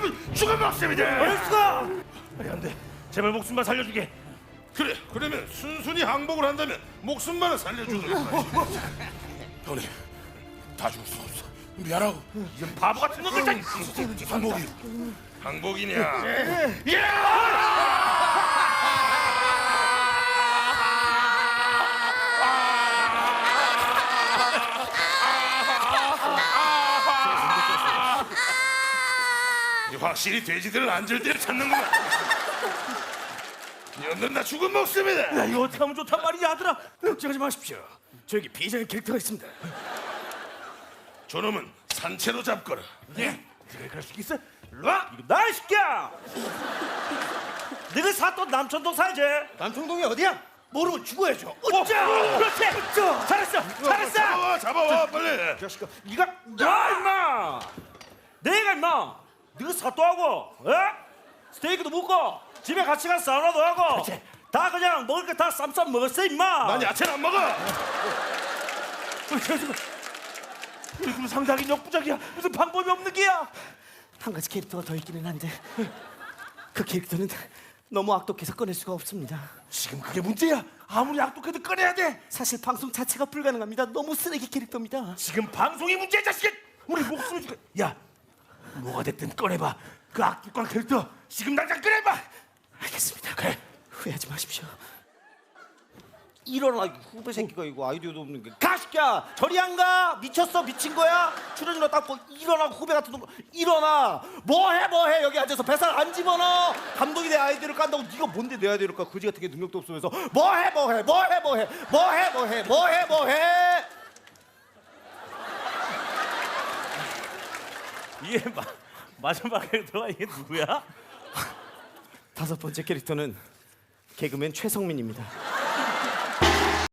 잡으면 죽어먹습니다. 얼수가 안돼. 제발 목숨만 살려주게. 그래. 그러면 순순히 항복을 한다면 목숨만은 살려주도록 하지. 형님, 다 죽을 수 없어. 미안하고. 이런 바보 같은 놈들 다. 항복이. 항복이냐? 확실히 돼지들은 안절대를 찾는구나. 이놈들 다 죽은 목숨이다. 야, 이거 어떻게 하면 좋단 말이야, 아들아. 걱정하지 마십시오. 저에게 비장의 캐릭터가 있습니다. 저놈은 산채로 잡거라. 네? 네가 그럴 수 있어? 일로 와! 이거 나, 이 새끼야! 네가 사또 남천동 살지? 남청동이 어디야? 모르면 죽어야죠. 어짜! 그렇지! 잘했어! 잘했어! 잡아와 빨리. 자식아, 네가 야, 임마! 내가 임마! 네가 사또하고, 스테이크도 먹고, 집에 같이 가서 사우나도 하고, 다 그냥 먹을 거 다 쌈쌈 먹었어, 임마! 난 야채는 안 먹어. 지금 상당히 역부족이야. 무슨 방법이 없는 게야? 한 가지 캐릭터가 더 있기는 한데 그 캐릭터는 너무 악독해서 꺼낼 수가 없습니다. 지금 그게 문제야. 아무리 악독해도 꺼내야 돼. 사실 방송 자체가 불가능합니다. 너무 쓰레기 캐릭터입니다. 지금 방송이 문제야, 자식아. 우리 목숨을 줄게. 야, 뭐가 됐든 꺼내봐. 그 악독한 캐릭터 지금 당장 꺼내봐. 알겠습니다. 그래. 후회하지 마십시오. 일어나, 후배 새끼가 이거 아이디어도 없는 게. 가시야, 저리 안 가. 미쳤어, 미친 거야. 출연료나 닦고 일어나. 후배 같은 놈 일어나. 뭐해 여기 앉아서 뱃살 안 집어넣어. 감독이 내 아이디어를 깐다고. 네가 뭔데 내 아이디어를 까? 그지 같은 게 능력도 없으면서 뭐해. 이게 마지막에 들어가 이게 누구야? 5번째 캐릭터는 개그맨 최성민입니다.